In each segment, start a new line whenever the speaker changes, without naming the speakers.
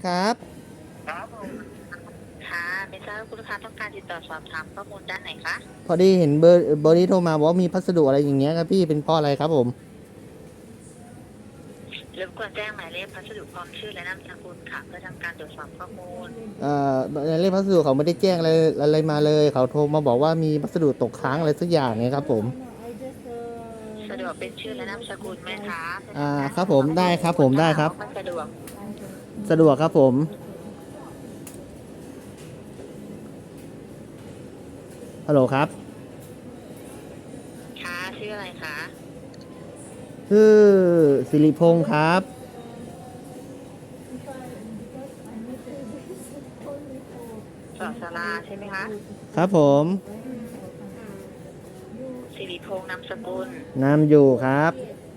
ครับ
ครับผมค่ะไม่ทราบว่าคุณลูกค้าต้องการติดต่อสอบถามข้อมูลด้านไหนคะ
พอดีเห็นเบอร์นี้โทรมาบอกว่ามีพัสดุอะไรอย่างเงี้ยครับพี่เป็นเพราะอะไรครับผม
รบกวนแจ้งหมายเลขพัสดุพร้อมชื่อและนามสกุลค่ะเพื่อทำการตรวจสอบข้อมูล
เอ่ในเลขพัสดุเขาไม่ได้แจ้งอะไรมาเลยเขาโทรมาบอกว่ามีพัสดุตกค้างอะไรสักอย่างเนี่ยครับผม
สะดวกเป็นชื่อและนามสกุลไหมคะเพื่อ
อ่า
ทำการ
ครับผม
ตรวจสอบข้
ได้
อมูล
ครับผมได้ครับ
ถ้าหากว่าไม่สะดวก
สะดวกครับผมฮัลโหลครับ
ค่ะชื่ออะไรคะ
ชื่อสิริพงศ์ครับ
สอสาราใช่ไหมคะ
ครับผม
สิริพงษ์นามสกุล
นามอยู่ครับ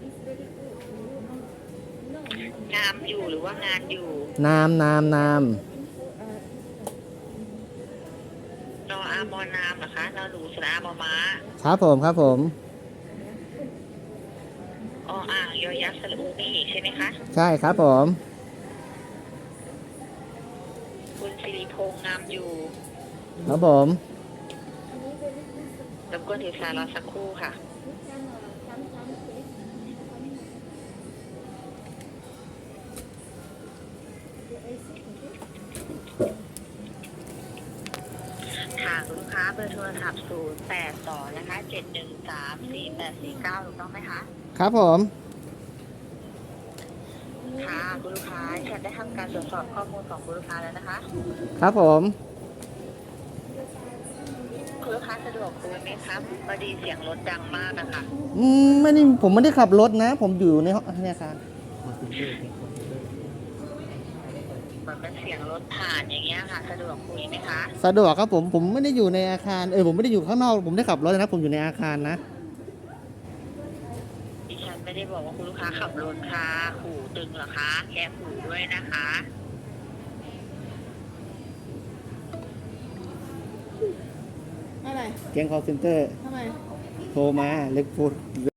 งามอยู่หรือว่างานอยู่
นาม
นออามอนามเหรอคะนอหนูสระอามอม้า
ครับผมครับผม
ออ่างยอยักษ์สระอูนี่ใช่ไหมคะ
ใช่ครับผม
คุณสิริพงษ์งามอยู่
ครับผม
รบกวนถือสายรอสักครู่ค่ะค่ะคุณลูกค้าเบอร์โทรศัพท์082นะคะ7134849ถูกต้องไหมคะ
ครับผม
ค่ะคุณลูกค้าฉันได้ทำการตรวจสอบข้อมูลของคุณลูกค้าแล้วนะคะ
ครับผม
คุณลูกค้าสะดวกคุยไหมครับพอดีเสียงรถดังมากนะคะ
ไม่ได้ผมไม่ได้ขับรถนะ ผมอยู่ในห้องเนี่ยครับ
เหมือนเป็นเสียงรถผ่านอย่างเงี้ยค่ะสะดวกคุยไหมคะ
สะดวกครับผมไม่ได้อยู่ในอาคารผมไม่ได้อยู่ข้างนอกผมได้ขับรถนะผมอยู่ในอาคารนะ
ดิฉันไม่ได้บอกว่าคุณลูกค้าขับรถค่ะหูตึงเหรอคะแค่หูด้วยนะคะ
อะไร
แก๊งคอลเซ็นเตอร์
ทำไม
โทรมาเล็กฟูด